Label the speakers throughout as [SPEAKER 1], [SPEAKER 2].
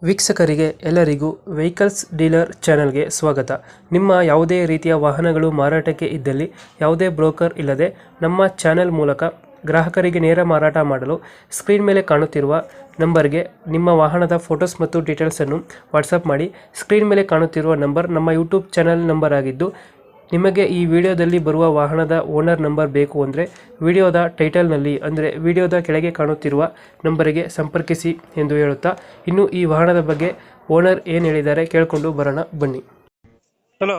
[SPEAKER 1] ವೀಕ್ಷಕರಿಗೆ ಎಲ್ಲರಿಗೂ vehicles dealer ಚಾನೆಲ್ಗೆ ಸ್ವಾಗತ. ನಿಮ್ಮ ಯಾವುದೇ ರೀತಿಯ ವಾಹನಗಳು ಮಾರಾಟಕ್ಕೆ ಇದ್ದಲ್ಲಿ ಯಾವುದೇ ಬ್ರೋಕರ್ ಇಲ್ಲದೆ ನಮ್ಮ ಚಾನೆಲ್ ಮೂಲಕ ಗ್ರಾಹಕರಿಗೆ ನೇರ ಮಾರಾಟ ಮಾಡಲು ಸ್ಕ್ರೀನ್ ಮೇಲೆ ಕಾಣುತ್ತಿರುವ ನಂಬರ್ಗೆ ನಿಮ್ಮ ವಾಹನದ ಫೋಟೋಸ್ ಮತ್ತು ಡೀಟೇಲ್ಸನ್ನು ವಾಟ್ಸಪ್ ಮಾಡಿ. ಸ್ಕ್ರೀನ್ ಮೇಲೆ ಕಾಣುತ್ತಿರುವ ನಂಬರ್ ನಮ್ಮ ಯೂಟ್ಯೂಬ್ ಚಾನೆಲ್ ನಂಬರ್ ಆಗಿದ್ದು, ನಿಮಗೆ ಈ ವಿಡಿಯೋದಲ್ಲಿ ಬರುವ ವಾಹನದ ಓನರ್ ನಂಬರ್ ಬೇಕು ಅಂದರೆ ವಿಡಿಯೋದ ಟೈಟಲ್ನಲ್ಲಿ ಅಂದರೆ ವಿಡಿಯೋದ ಕೆಳಗೆ ಕಾಣುತ್ತಿರುವ ನಂಬರಿಗೆ ಸಂಪರ್ಕಿಸಿ ಎಂದು ಹೇಳುತ್ತಾ, ಇನ್ನು ಈ ವಾಹನದ ಬಗ್ಗೆ ಓನರ್ ಏನು ಹೇಳಿದ್ದಾರೆ ಕೇಳಿಕೊಂಡು ಬರೋಣ ಬನ್ನಿ. ಹಲೋ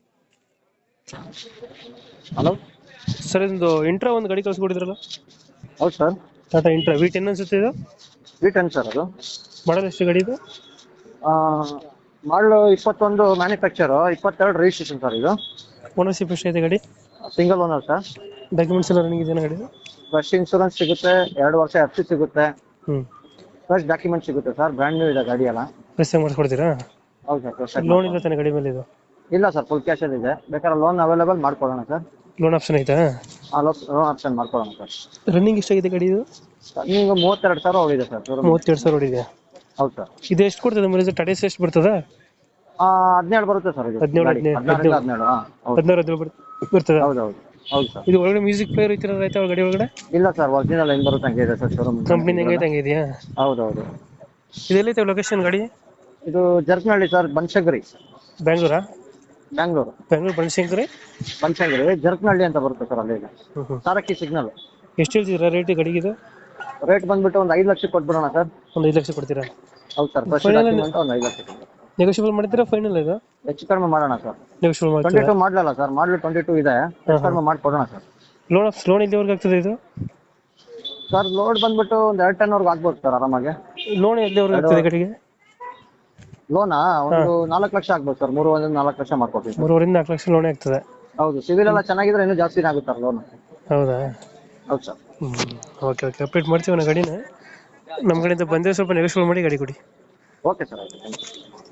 [SPEAKER 2] ಹಲೋ
[SPEAKER 1] ಸರ್, ಇದೊಂದು ಇಂಟ್ರಾ ಒಂದು ಗಾಡಿ ಕಳಿಸ್ಕೊಡಿದ್ರಲ್ಲ,
[SPEAKER 2] ಹೌದು ಸರ್.
[SPEAKER 1] ಟಾಟಾ ಇಂಟ್ರಾ V10 ಅನ್ಸುತ್ತೆ ಇದು.
[SPEAKER 2] V10 sir. ಅದು
[SPEAKER 1] ಮಾಡಲ್ ಎಷ್ಟು ಗಾಡಿ ಇದು?
[SPEAKER 2] ಮಾಡಲು 21 ಮ್ಯಾನುಫ್ಯಾಕ್ಚರು, 22 ರಿಜಿಸ್ಟ್ರೇಷನ್ ಸರ್. ಇದು
[SPEAKER 1] ಓನರ್ಶಿಪ್ ಎಷ್ಟಿದೆ ಗಾಡಿ?
[SPEAKER 2] Single owner sir.
[SPEAKER 1] ಡಾಕ್ಯುಮೆಂಟ್ಸ್ ಎಲ್ಲ ರನ್ನಿಂಗ್ ಇದೆಯಾ ಗಾಡಿ?
[SPEAKER 2] ಫ್ರೆಶ್ ಇನ್ಶೂರೆನ್ಸ್ ಸಿಗುತ್ತೆ, 2 ವರ್ಷ FC ಸಿಗುತ್ತೆ, ಫ್ರೆಶ್ ಡಾಕ್ಯುಮೆಂಟ್ ಸಿಗುತ್ತೆ ಸರ್. ಬ್ರ್ಯಾಂಡ್ ನ್ಯೂ ಇದೆ ಗಾಡಿ ಎಲ್ಲ.
[SPEAKER 1] ಪ್ರೆಸ್ ಮಾಡಿಸ್ಕೊಡ್ತೀರಾ?
[SPEAKER 2] ಹೌದು ಸರ್. ಫ್ರೆಶ್
[SPEAKER 1] ಲೋನ್ ಇಲ್ಲ ತಾನೆ ಗಾಡಿ ಮೇಲೆ ಇದು?
[SPEAKER 2] ಇಲ್ಲ ಸರ್, ಫುಲ್ ಕ್ಯಾಶಲ್ಲಿ ಇದೆ. ಬೇಕಾದ್ರೆ ಲೋನ್ ಅವೈಲೇಬಲ್ ಮಾಡ್ಕೊಡೋಣ ಸರ್.
[SPEAKER 1] ಲೋನ್ ಆಪ್ಷನ್ ಐತಾ?
[SPEAKER 2] ಲೋನ್ ಆಪ್ಷನ್ ಮಾಡ್ಕೊಡೋಣ ಸರ್.
[SPEAKER 1] ರನ್ನಿಂಗ್ ಎಷ್ಟಾಗಿದೆ ಗಾಡಿ ಇದು?
[SPEAKER 2] ನೀವು 32 ಸಾವಿರ ಹೋಗಿದೆ ಸರ್.
[SPEAKER 1] 32,000 ಹೊಡಿದೆ.
[SPEAKER 2] ಹೌದು ಸರ್.
[SPEAKER 1] ಇದು ಎಷ್ಟು ಕೊಡ್ತದೆ ಮೈಲೇಜ್? ಟಾಟಾ ಎಷ್ಟು ಬರ್ತದ?
[SPEAKER 2] 17 ಬರುತ್ತೆ ಸರ್. ಇದು
[SPEAKER 1] 17
[SPEAKER 2] 17
[SPEAKER 1] ಬರ್ತದ?
[SPEAKER 2] ಹೌದು ಹೌದು ಹೌದು ಸರ್.
[SPEAKER 1] ಇದು ಒಳಗಡೆ ಮ್ಯೂಸಿಕ್ ಪ್ಲೇಯರ್ ಐತಿರ ಆಯ್ತಾ ಗಾಡಿ ಒಳಗಡೆ?
[SPEAKER 2] ಇಲ್ಲ ಸರ್, ಒರಿಜಿನಲ್ ಹೆಂಗ್ ಬರುತ್ತೆ ಹಂಗೆ ಇದೆ ಸರ್. ಶೋರೂಮ್
[SPEAKER 1] ಕಂಪ್ನಿ ಹೆಂಗೈತೆ ಹಂಗೆ ಇದೆಯಾ?
[SPEAKER 2] ಹೌದು ಹೌದು.
[SPEAKER 1] ಇದೆಲ್ಲೈತೆ ಲೊಕೇಶನ್ ಗಾಡಿ?
[SPEAKER 2] ಇದು ಜರ್ಕನಹಳ್ಳಿ ಸರ್, ಬನಶಂಕರಿ.
[SPEAKER 1] ಬ್ಯಾಂಗ್ಳೂರಾ?
[SPEAKER 2] ಬ್ಯಾಂಗ್ಳೂರು
[SPEAKER 1] ಬನಶಂಕರಿ.
[SPEAKER 2] ಬನಶಂಕರಿ ಜರ್ಕನಹಳ್ಳಿ ಅಂತ ಬರುತ್ತೆ ಸರ್. ಅಲ್ಲಿ ಸಾರಕ್ಕಿ ಸಿಗ್ನಲ್.
[SPEAKER 1] ಎಷ್ಟು ಹೇಳ್ತಿದ್ದೀರಾ ರೇಟ್ ಗಾಡಿಗೆ ಇದು?
[SPEAKER 2] ರೇಟ್ ಬಂದ್ಬಿಟ್ಟು ಒಂದು 5 ಲಕ್ಷ ಕೊಟ್ಬಿಡೋಣ ಸರ್.
[SPEAKER 1] ಒಂದು 5 ಲಕ್ಷ ಕೊಡ್ತೀರಾ?
[SPEAKER 2] ಹೌದು ಸರ್. ಫಸ್ಟ್ ಡಾಕ್ಯುಮೆಂಟ್ ಒಂದು 5 ಲಕ್ಷ.
[SPEAKER 1] ನೆಗೋಷಿಯಬಲ್ ಮಾಡ್ತೀರಾ ಫೈನಲ್ ಇದು?
[SPEAKER 2] ಹೆಚ್ಚು ಕಡಿಮೆ ಮಾಡೋಣ ಸರ್.
[SPEAKER 1] ನೆಗೋಷಿಯಬಲ್ ಮಾಡ್ತೀರಾ?
[SPEAKER 2] 22 ಮಾಡಲಲ್ಲ ಸರ್, ಮಾಡಲು 22 ಇದೆ. ಹೆಚ್ಚು ಕಡಿಮೆ ಮಾಡಿಕೊಡೋಣ ಸರ್.
[SPEAKER 1] ಲೋನ್ ಎಲ್ಲಿವರೆಗೆ ಆಗ್ತದೆ ಇದು?
[SPEAKER 2] ಸರ್ ಲೋಡ್ ಬಂದ್ಬಿಟ್ಟು ಒಂದು 2 ಟನ್ ವರ್ಗೂ ಆಗ್ಬೋದು ಸರ್ ಆರಾಮಾಗಿ.
[SPEAKER 1] ಲೋನ್ ಎಲ್ಲಿವರೆಗೆ ಆಗ್ತದೆ ಗಾಡಿಗೆ?
[SPEAKER 2] ಲೋನಾ ಒಂದು 4 ಲಕ್ಷ ಆಗ್ಬೋದು ಸರ್. 3 4 ಲಕ್ಷ ಮಾಡ್ಕೊಡ್ತೀವಿ.
[SPEAKER 1] 3 ರಿಂದ 4 ಲಕ್ಷ ಲೋನ್ ಆಗ್ತದೆ.
[SPEAKER 2] ಹೌದು, ಸಿವಿಲ್ ಎಲ್ಲ ಚೆನ್ನಾಗಿದ್ರೆ ಇನ್ನೂ ಜಾಸ್ತಿನೇ ಆಗುತ್ತೆ ಸರ್ ಲೋನ್.
[SPEAKER 1] ಹೌದಾ?
[SPEAKER 2] ಹೌದು ಸರ್.
[SPEAKER 1] ಓಕೆ ಓಕೆ, ಅಪ್ಡೇಟ್ ಮಾಡ್ತೀವಿ ಗಾಡಿನ. ನಮ್ಮ ಕಡೆಯಿಂದ ಬಂದರೆ ಸ್ವಲ್ಪ ನೆಗೋಷಿಯಬಲ್ ಮಾಡಿ ಗಾಡಿ ಕೊಡಿ.
[SPEAKER 2] ಓಕೆ ಸರ್, ಆಯ್ತು. Thank you.